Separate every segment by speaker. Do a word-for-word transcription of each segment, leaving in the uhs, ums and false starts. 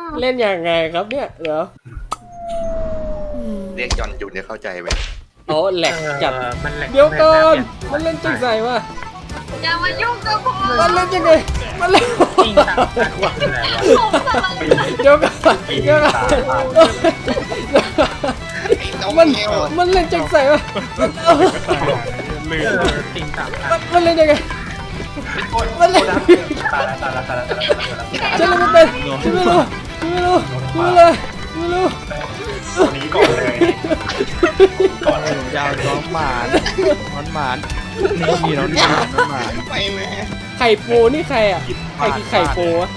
Speaker 1: เล่นยังไงครับเนี่ยเดี๋ยว
Speaker 2: เรียกยอนอยู่เนี่ยเข้าใจไหม
Speaker 1: โอ้แหลกจัด
Speaker 3: เออมันแหลก
Speaker 1: เดี๋ยวก่อนมันเล่นจังใส่วะ
Speaker 4: อย่ามายุ่งกับผม
Speaker 1: มันเล่นยังไงมันเล่น
Speaker 3: จริงจังจังหวะอะไรวะ
Speaker 4: ผมกำลัง
Speaker 1: เดี๋ยวก่อนเดี๋ยวก่อนมันมันเล่นจังใส่วะ
Speaker 3: ลืมจริงจัง
Speaker 1: มันมันเล่นยังไงมันเล่น
Speaker 3: ตายแล้วตายแล้วตายแล้วตายแล้ว
Speaker 1: ฉันเล่นไม่เป็นฉันไม่รู้ฉันไม่รู้ฉันไม่รู้ไม่รู้
Speaker 3: ตัวนี้ก่อนเลยก่อนเลย
Speaker 5: ยาวน้องหมานน้องหมานนี่มีน้องหมานน้องหมาน
Speaker 2: ไปแม่
Speaker 1: ไข่ปูนี่ใครอ่ะใครคือไข่ปูวะ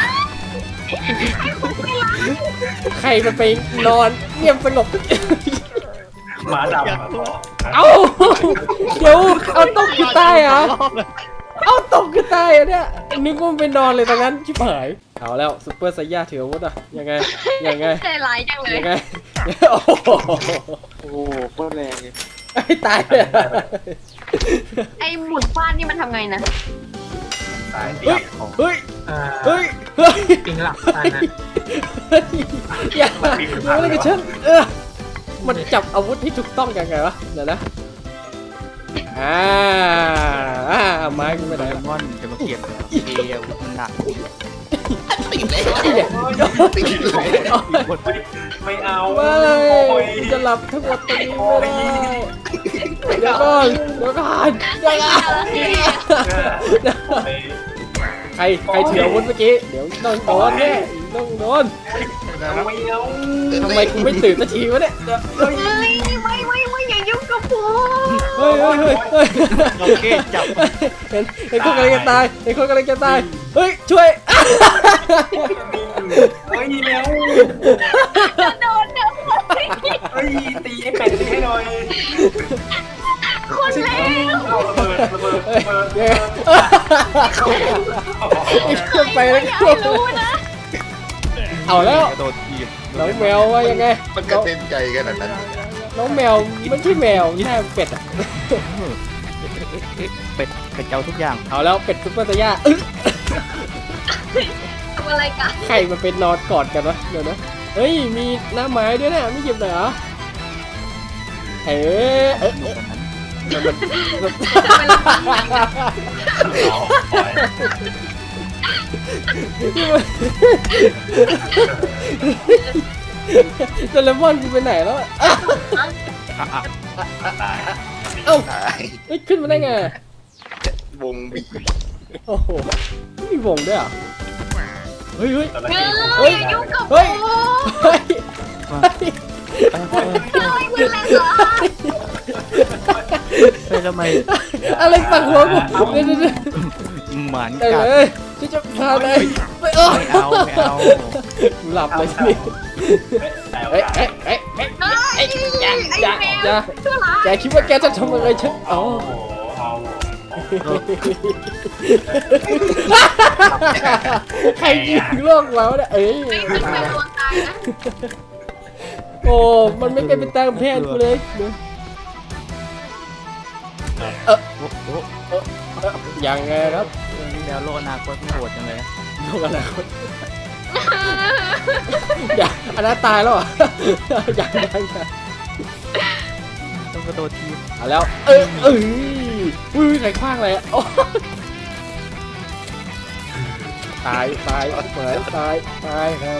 Speaker 1: ใครมันไปนอนเงียบสงบ
Speaker 3: หมาดำ
Speaker 1: เอ้าเดี๋ยวเอาตกคือใต้เหรอเอาตกคือใต้อะเนี่ยนึกว่ามันไปนอนเลยตรงนั้นชิบหายเอาแล้วซุปเปอร์ไซย่าถืออาวุธอะยังไงยังไง
Speaker 4: ใจร้ายจังเลย
Speaker 1: ยังไงโอ้โห
Speaker 5: โอ้โหโคตรแรงเลย
Speaker 1: ไอ้ตายเลย
Speaker 4: ไอ้หมุนฟาดนี่มันทำไงนะ
Speaker 3: ตาย
Speaker 1: เฮ้ยเฮ้ย
Speaker 3: อ่า
Speaker 1: เฮ้ยเฮ้ย
Speaker 3: ปิงหลับตายนะ
Speaker 1: อย่าอย่าอะไรกับฉันเออมันจับอาวุธที่ถูกต้องยังไงวะเดี๋ยวนะอ่าอ่าเอาไม้กูไปไหน
Speaker 5: ไดมอนด์จะมาเก็บเอวมันหนัก
Speaker 2: ติดแล้ว
Speaker 1: นี่เนี่ย
Speaker 2: ติดแล้ว
Speaker 3: ไม่เอา
Speaker 1: ไม่จะหลับทั้งหมดตรงนี้ไม่ได้เดี๋ยวก่อนเดี๋ยวก่อนเดี๋ยวก่อนใครใครถืออาวุธเมื่อกี้เดี๋ยวต้องโดนแน่ต้องโดน
Speaker 3: ไม่เอา
Speaker 1: ทำไมกูไม่ตื่นสักทีวะเนี่ยเฮ้ย
Speaker 4: เฮ้ยไม่ไม่ไม่อย่ายุ่งกับผม
Speaker 1: เฮ้ยเฮ้ยเฮ้ยเฮ้ย
Speaker 5: โอเคจับ
Speaker 1: เห็นเห็นคนกำลังจะตายเห็นคนกำลังจะตายเฮ้ยช่วย
Speaker 3: เฮ้ยแล้ว
Speaker 4: จะโดนเดี๋ยว
Speaker 3: เฮ้ยตีไอ้เป็ดตีให้หน่อย
Speaker 4: คนเลว
Speaker 3: เอาระเบิดระเบิด
Speaker 1: เฮ้ย
Speaker 3: ระเบิด
Speaker 1: เดี๋ยวไอ้เครื่องไปแล้ว
Speaker 4: อย่าให้รู้นะ
Speaker 1: เอาแล้ว
Speaker 5: โดนทีบ
Speaker 1: น้องแมวว่ายังไง
Speaker 2: มันกระเด็นใจขนาดนั้น
Speaker 1: น้องแมวไม่ใช่แมวแค่เป็ดอะ
Speaker 5: เป็ดเป็ดเจ้าทุกอย่าง
Speaker 1: เอาแล้วเป็ดซุปเปอร์ไซย่าอึ๊ะ
Speaker 4: ทำอะไรกัน
Speaker 1: ใครมันเป็นนอนกอดกันวะเดี๋ยวนะเฮ้ยมีหน้าไม้ด้วยนะไม่หยิบเลยเหรอเอ๊ะเอ๊ะ
Speaker 5: หนุกกันนั้น
Speaker 1: โดเรมอนกูไปไหนแล้วอะ
Speaker 5: อ่ะอ่ะ
Speaker 1: เอ้า
Speaker 2: ตาย
Speaker 1: เฮ้ยขึ้นมาได้ไง
Speaker 2: วงบี
Speaker 1: โอ้โหมีวงด้วยเหรอ่ะเฮ้ยเฮ้ย
Speaker 4: เฮ้ยอย่ายุ่งกับผ
Speaker 1: เฮ้ย
Speaker 4: ม
Speaker 1: เฮ้ย
Speaker 4: เฮ้ยมึงแรงเหรอ
Speaker 5: เฮ้ยทำไม
Speaker 1: อะไรปักหัวกูเดี๋ยวเดี๋ยวเดี๋ยว
Speaker 5: หมาน
Speaker 1: ได้
Speaker 5: กัด
Speaker 1: เลยฉันจะพาไปไปเออ
Speaker 5: ไม่เอาไม่เอา
Speaker 1: หลับเลยทีนี้เอ้ยเอ้ยเอ้ยเอ้ย
Speaker 4: เฮ้ย
Speaker 1: อย่า
Speaker 4: ไอ้
Speaker 1: อย่า
Speaker 4: แมว
Speaker 1: อย่า
Speaker 4: ชั่วร้าย
Speaker 1: แกคิดว่าแกจะทำอะไรฉันอ๋อ
Speaker 3: เอา
Speaker 1: ใครยิงโลกเราเนี่ยเอ้ย
Speaker 4: ไม่เป็นแมวตัวตายนะ
Speaker 1: โอ้มันไม่เป็นไปตามแผนกูเลยเดี๋ยวเออ
Speaker 5: โอ้โห
Speaker 1: ยังไงครับ
Speaker 5: แนวโลกอนาคตมันโหดจังเลย
Speaker 1: โลกอนาคตอย่าอันนั้นตายแล้วเหรอ่ะยังยังยัง
Speaker 5: ต้องกระโดดทีบ
Speaker 1: เอาแล้วเออเอ้ยอุ้ยใครคว้างอะไรอ่ะโอ้ตายตายเหมือนตายตายครับ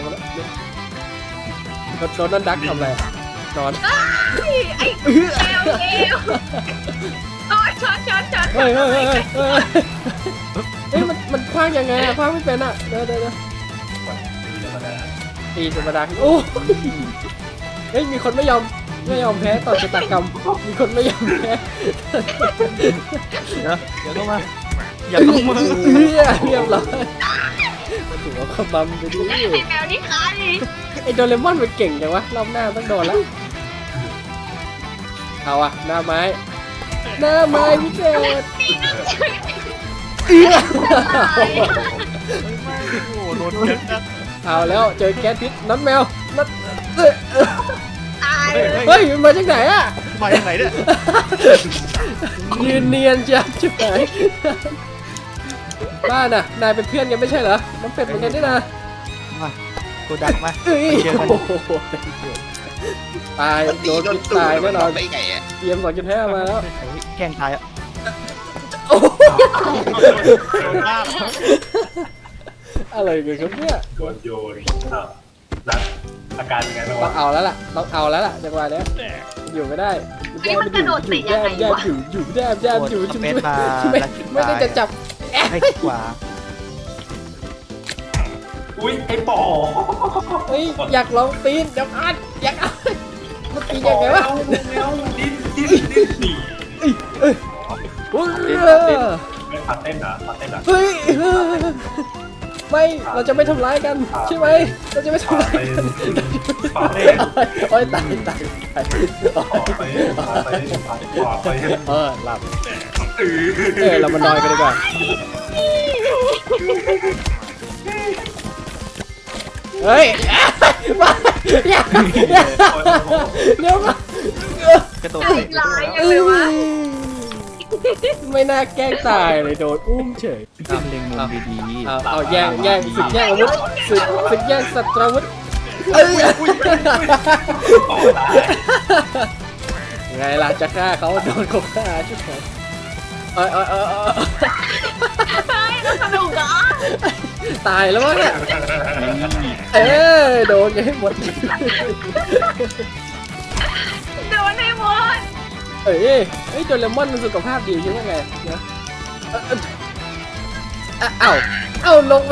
Speaker 1: แล้วโดนนั่นดักทำอะไรนอน
Speaker 4: ไอ้แมวเลวโอ้ยช็อตช็อตช็อต
Speaker 1: เฮ้ยเฮ้ยเฮ้ยเฮ้ยเฮ้ยเฮ้ยมันมันคว้างยังไงอะคว้างไม่เป็นอะเดี๋ยวเดี๋ยวเดี๋ยวตีธรรมดาโอ้เฮ้ยมีคนไม่ยอมไม่ยอมแพ้ต่อชะตากรรมมีคนไม่ยอมแพ้
Speaker 5: เดี๋ยวเดี๋ยวเข้ามาอย่าเข้ามา
Speaker 1: เอื้อเรียบร้อยมาถึงเอาขบำไปดิ
Speaker 4: ไอ้แมวนี่ใคร
Speaker 1: ไอโดเรมอนมันเก่งจังวะรอบหน้าต้องโดนแล้วเอาอะหน้าไม้หน้าไม้พิเศษเอื้อ
Speaker 5: โอ้โหโดนเจ็บนะ
Speaker 1: เอาแล้วเจอแก๊สพิษน้ำแมวน้ำเอ้ยเอ้ย
Speaker 4: ตาย
Speaker 1: เฮ้ยมันมาจากไหนอะ
Speaker 5: มาจากไหนเนี่ย
Speaker 1: ยืนเนียนจ้ะชิบหายบ้าน่ะนายเป็นเพื่อนกันไม่ใช่เหรอน้ำเป็ดเหมือนกันนี่นะ
Speaker 5: มากูดักมา
Speaker 1: เอ้ย
Speaker 5: เจอกัน
Speaker 1: โอ้โหตาย
Speaker 2: มัน
Speaker 1: โด
Speaker 2: ตี
Speaker 1: น
Speaker 2: จน
Speaker 1: พิษ
Speaker 2: ตูด
Speaker 1: ตาย
Speaker 2: มั
Speaker 1: แน่
Speaker 2: น
Speaker 1: นอน
Speaker 2: ได้ไงอ่ะ
Speaker 1: เตรียมสองจุดห้ามาแล้ว
Speaker 5: เฮ้ยแกล้งตายอ่ะ
Speaker 1: โอ้โห
Speaker 5: โดนบ้า
Speaker 1: อะไรกันครับเนี่ย
Speaker 3: โดนโยนอ้าวแล้วอาการเป็นไงบ้าง
Speaker 1: ต้อ
Speaker 3: วะ
Speaker 1: งเอาแล้วล่ะต้องเอาแล้วล่ะจังหวะเนี้ยอยู่ไม่ได้
Speaker 4: ไอ้มันกระโดดติดยังไง
Speaker 1: แย่
Speaker 4: วะ
Speaker 1: อยู่อยู่แย่แย่อยู่
Speaker 5: สเปซบาร์
Speaker 1: ไม่
Speaker 5: แล้วคลิก
Speaker 1: ไม่ได้
Speaker 5: ซ้าย
Speaker 1: จะจับ
Speaker 5: ให้ขวา
Speaker 3: อุ้ยไอ้ปอ
Speaker 1: เฮ้ยอยากลองปีนเดี๋ยวอ่านอยากอ่านมันปีนยังไงวะ
Speaker 3: เร็วดิ้นดิ้นดิ้นหนี
Speaker 1: เฮ้ย
Speaker 3: ไม่พัดเต้นเหรอพัดเต้นเหรอ
Speaker 1: เฮ้ยไม่เราจะไม่ทำร้ายกันใช่ไหมเราจะไม่ทำร้ายกัน
Speaker 3: พัดเต้น
Speaker 1: โอ้ยตายตายตาย
Speaker 3: พัดเต้นพัดเต้นพัดเต้นพัดเต้น
Speaker 1: เออหลับ
Speaker 3: เออ
Speaker 1: เออเรามานอนกันดีกว่าเฮ้ยมาอย่าอย่าเดี๋ยวมาก
Speaker 5: ระโดด
Speaker 4: ไอ้
Speaker 5: เตะ
Speaker 4: ลายยังเลยวะ
Speaker 1: ไม่น่าแกล้งตายเลยโดนอุ้มเฉย
Speaker 5: ต้องเล็งมุมดี
Speaker 1: เอาเอาแย่งแย่งศึกแย่งอาวุธศึกศึกแย่งสัตราวุธเอ้ย
Speaker 3: ต่อตาย
Speaker 1: ไงล่ะจะฆ่าเขาโดนเขาฆ่าชุดไหนเอ้ยเอ้ยเอ้ยเอ้ย
Speaker 4: เฮ้ยแล้วสนุกเหรอ
Speaker 1: ตายแล้ววะเนี่ยเอ้ยโดนกันให้หมด
Speaker 4: โดนให้หมด
Speaker 1: เอ้ยเอ้ยโดเรมอนมันสุขภาพดีใช่ไหมไงนะเอ้ยอ่ะเอ้าเอ้าลงไป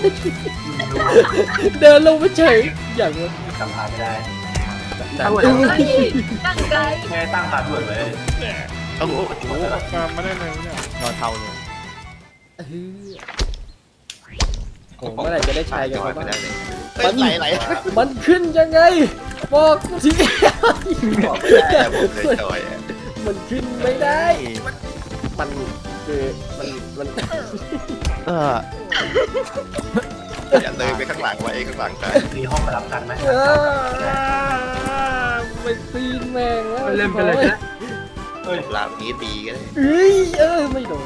Speaker 1: เดินลงไปเฉยอย่างนี้
Speaker 3: จำพาไม่ได้
Speaker 1: ดัน
Speaker 4: เฮ้ยตั้งใจ
Speaker 3: แม่ตั้งพาด้วยเลย
Speaker 2: โอ้โห
Speaker 5: ๆนอนเทาเลย
Speaker 1: เออโอ้เมื่อไหร่จะได้ใช้กัน
Speaker 2: จอ
Speaker 1: เขา
Speaker 2: ยไม่
Speaker 1: บ้าง
Speaker 2: ได้เลยเฮ้ยไหลไหล
Speaker 1: มันขึ้นยังไง บอกที
Speaker 2: บอกไม่ได้อะผมเลยจอยอะ
Speaker 1: มันขึ้นไม่ได้ มันคือมันมัน
Speaker 5: เออ
Speaker 2: อย่าเลยไปข้างหลังไว้ข้างหลังตาย
Speaker 3: มีห้องมารับกันไหม
Speaker 1: เออไปตีนแมงแล้วเล่นไปเลยนะ
Speaker 3: เฮ้ย
Speaker 2: ลามนี้ดีก็ได้
Speaker 1: เอ้ยเออไม่โดน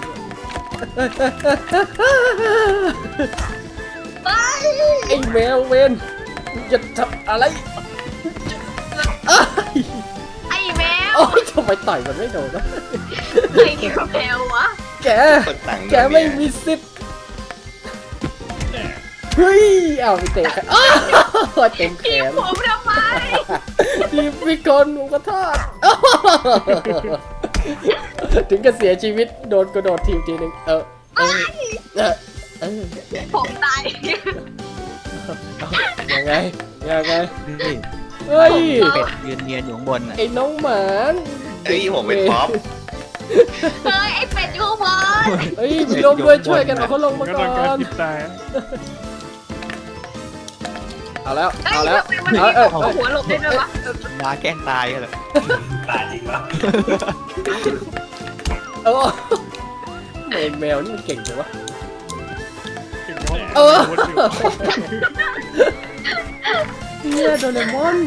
Speaker 4: ไป
Speaker 1: ไอ้แมวเวนจะทำอะไรเอ้ย
Speaker 4: ไอ้แมว
Speaker 1: โอ้ยทำไมต่อยมันไม่โดนวะ
Speaker 4: ไอ้แมววะ
Speaker 1: แก
Speaker 2: คนต่าง
Speaker 1: แกไม่มีสิทธิ์เฮ้ยเอาไปเตะกันอ้าวเต็มแข
Speaker 4: ทีม
Speaker 1: น
Speaker 4: ผมทำไม
Speaker 1: ทีมพิกลหมูกระทอดถึงกับเสียชีวิตโดนกระโดดทีมทีนึงเออเออเออเออ
Speaker 4: ผมตาย
Speaker 1: ยังไงยังไง
Speaker 5: นี่
Speaker 1: เฮ้ย
Speaker 5: เป็ดยืนเนียนอยู่ข้างบนน่ะ
Speaker 1: ไอ้น้องหมาน
Speaker 2: เอ้ยผมเป็นป๊อป
Speaker 4: เฮ้ยไอ้เป็ดอยู่บน
Speaker 1: เฮ้ยมีลงด้วยช่วยกันเอาเขาลงมาก่อนเอาแล้ว
Speaker 4: เฮ้ย
Speaker 1: เอาแล้ว
Speaker 4: ทำไมมัน
Speaker 1: เอา
Speaker 4: มี
Speaker 1: เออ
Speaker 4: หัวหัวหลบได้ด้วยวะ
Speaker 5: มาแกล้งตายกันเลย
Speaker 3: ตายจริงปะ
Speaker 1: เออแมวแมวนี่มันเก่งจังวะเออเนี่ยโดเรมอน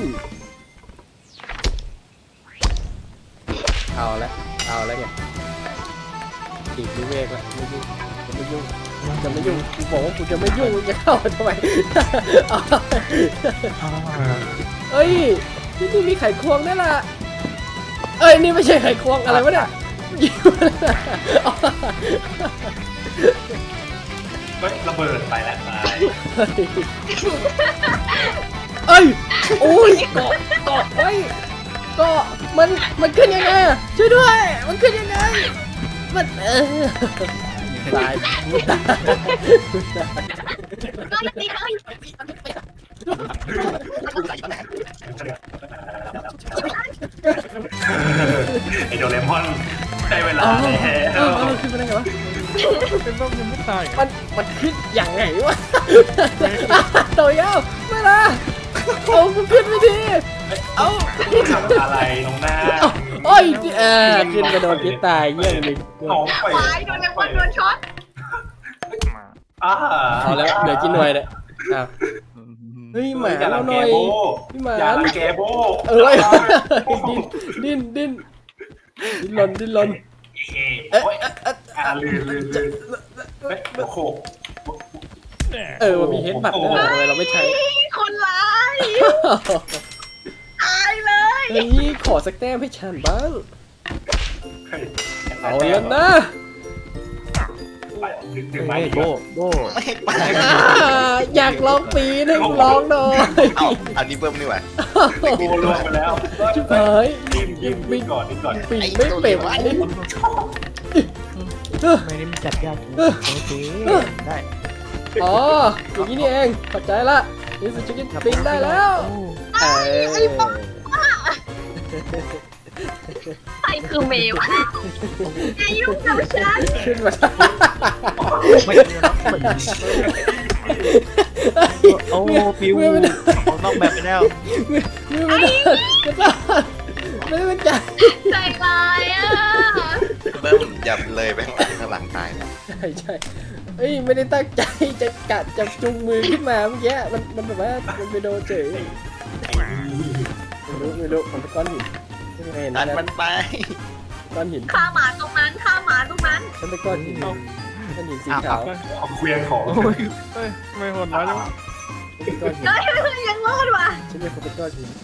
Speaker 1: เอาละเอาละเนี่ยอีกวิเวกละไม่ยุ่งจะไม่ยุ่งจะไม่ยุ่งกูบอกว่ากูจะไม่ยุ่งมึงจะเข้ามาทำไมเอาเอ้ยที่นี่มีไข่ควงด้วยล่ะเอ้ยนี่ไม่ใช่ไข่ควงอะไรวะเนี่ยยิงมาเลย
Speaker 3: เฮ้ยระเบิดไปแล้วตาย
Speaker 1: เอ้ยโอ้ยเกาะเกาะเอ้ยเกาะมันมันขึ้นยังไงอะช่วยด้วยมันขึ้นยังไงมันเออตาย
Speaker 4: ก็เลยตีเลย
Speaker 3: ไอโดเรมอนได้เวลา
Speaker 1: อ๋อ
Speaker 3: แล้ว
Speaker 1: เออเออขึ้นมาได้ไงวะเป็นบ้ายังไม่ตายมันมันขึ้นอย่างไงวะตัวยาวไม่ละเอามันขึ้นไม่ดีเอา
Speaker 3: ทำอะไรลงหน้า
Speaker 1: โอ้ยเออขึ้นกระโดดพิษตายเยี่ยมเลย
Speaker 3: ของไป
Speaker 4: ตายโดนเลมอนโดนช็อต
Speaker 3: อ่า
Speaker 1: เอาแล้วเหลือกี่หน่วยเนี่ยอ้าวเฮ้ยหมาเราหน่อยพี่หมา
Speaker 3: อย่าแกโบ
Speaker 1: เออดิ้นดิ้นดิ้นดิ้นรนดิ้นรน
Speaker 3: เอ๊ะอ่าลืมลืมลืมโอ้โห
Speaker 1: เออมันมีเฮดบัตด้วยเหรอทำไมเราไม่ใช้
Speaker 4: คนร้ายตายเลย
Speaker 1: เฮ้ยขอสักแต้มให้ฉันบ้างเอาแล้วนะ
Speaker 3: ดึงดึง
Speaker 5: เฮ้
Speaker 3: ไม้
Speaker 5: ย
Speaker 3: อีก
Speaker 5: โบ
Speaker 3: แล้ว
Speaker 5: โบ
Speaker 2: ไม่ไป
Speaker 1: อ่าอยากลองปีนให้กูลองหน่อย
Speaker 2: เอ้าอันนี้เบิ้มนี่หว่า
Speaker 3: กูล่วงไปแล้ว
Speaker 1: ชิบหาย
Speaker 3: ดิ้นดิ้นดิ้นก่อนดิ้นก่อน
Speaker 1: ปีนไม่เป็นนี่
Speaker 5: ไม่ได้มีจัดยากโอเคได้
Speaker 1: อ๋ออย่างนี้นี่เองเข้าใจละนี่สุดชิคกี้ปีนได้แล้วเอ้ย
Speaker 4: ใครคือเมย์วะอย่ายุ่งกับฉัน
Speaker 1: ขึ้นมา
Speaker 5: ไม่โอ้ปิวต้องแบบไปแล้ว
Speaker 1: มือไม่ได้กระซ่าไม่ได้เป็นใจ
Speaker 4: ใจร้ายอ่ะ
Speaker 2: เบิ้มอย่าเลยไปข้างหลังข้างหลังตายนะ
Speaker 1: ใช่ใช่เอ้ยไม่ได้ตั้งใจจะกัดจะจุงมือขึ้นมาเมื่อกี้มันมันแบบว่ามันไปโดนเฉยไม่รู้ไม่รู้มันเป็นก้อนหินไม่เห็น
Speaker 2: ดัน
Speaker 1: นะ
Speaker 2: มันไป
Speaker 1: ก้อนหิน
Speaker 4: ฆ่าหมาตรงนั้นฆ่าหมาตรงนั้น
Speaker 1: ฉันเป็นก้อนหินก้อนหินสีขาว
Speaker 3: เอาเคลียร์ของ
Speaker 5: โอ้ยไม่หดร้ายจัง
Speaker 1: ฉันเป็นก้อนหิน
Speaker 4: เฮ้ยยังรอดว่ะ
Speaker 1: ฉันเป็นคนเป็นก้อนหิน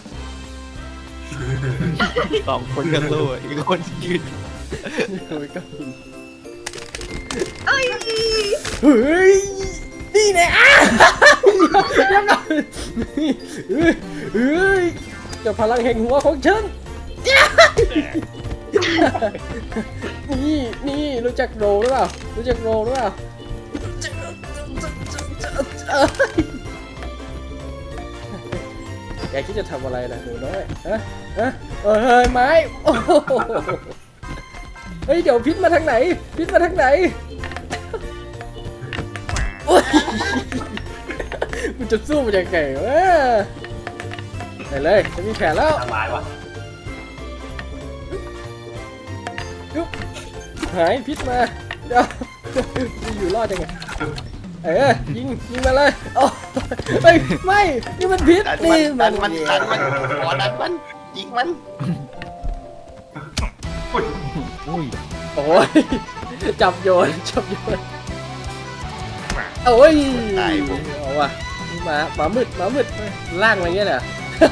Speaker 5: สองคนกันสู้อีกคนยืน
Speaker 1: นี่คือเป็นก้อนหิน
Speaker 4: เอ้ย
Speaker 1: เฮ้ยนี่แน่อ่ะยังไงเฮ้ยเฮ้ยเจ้าพลังแห่งหัวของฉันนี่นี่รู้จักโรหรือเปล่ารู้จักโรหรือเปล่าแกคิดจะทำอะไรนะหนูน้อยฮะฮะเอ้ยไม้โอ้โหเฮ้ยเดี๋ยวพิษมาทางไหนพิษมาทางไหนโอ้ยมันจะสู้มันยังไงวะไปเลยจะมีแผนแล้ว
Speaker 3: ทำลายว่ะ
Speaker 1: ยุบหายพิษมาเดี๋ยวจะอยู่รอดยังไงเออยิงยิงมาเลยโอ้เฮ้ยไม่นี่มันพิษ
Speaker 2: ดัน
Speaker 1: นี่
Speaker 2: มันดันมันดันมันขอดันมันยิงมัน
Speaker 3: อุ้ย
Speaker 5: อุ้ย
Speaker 1: โอ้ยจับโยนจับโยนโอ้ยเอาว่ะหมาหมามืดหมามืดล่างอะไรเงี้ยเหรอ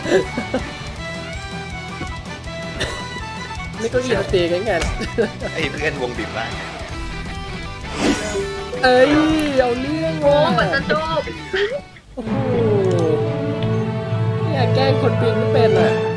Speaker 1: นี่ก็อีนตีกันไง
Speaker 2: ไอ้เพื่อนวงบีบได้
Speaker 1: เอ้ยเอาเรื่อง
Speaker 4: โอ้
Speaker 1: ว่ะ
Speaker 4: เหมือนจะจบ
Speaker 1: โอ้โหเนี่ยแกล้งคนปีนไม่เป็นอ่ะ